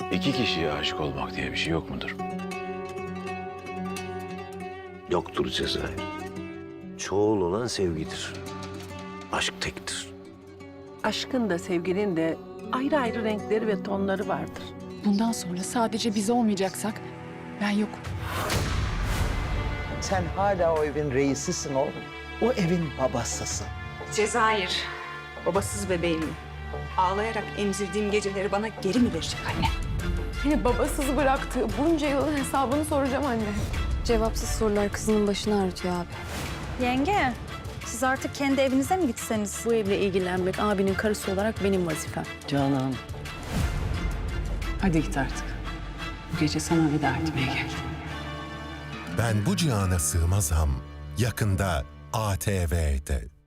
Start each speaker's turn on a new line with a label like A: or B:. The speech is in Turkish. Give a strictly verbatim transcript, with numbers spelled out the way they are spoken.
A: İki kişiye aşık olmak diye bir şey yok mudur?
B: Yoktur Cezayir. Çoğul olan sevgidir. Aşk tektir.
C: Aşkın da sevginin de ayrı ayrı renkleri ve tonları vardır.
D: Bundan sonra sadece biz olmayacaksak ben yokum.
E: Sen hala o evin reisisin oğlum. O evin babasısın.
F: Cezayir, babasız bebeğimi ağlayarak emzirdiğim geceleri bana geri mi verecek anne?
D: Beni babasız bıraktığı bunca yılın hesabını soracağım anne.
G: Cevapsız sorular kızının başını ağrıtıyor abi.
H: Yenge, siz artık kendi evinize mi gitseniz?
G: Bu evle ilgilenmek abinin karısı olarak benim vazifem.
E: Canan.
I: Hadi git artık. Bu gece sana veda etmeye geldim.
J: Ben bu cihana sığmazam yakında A T V'de.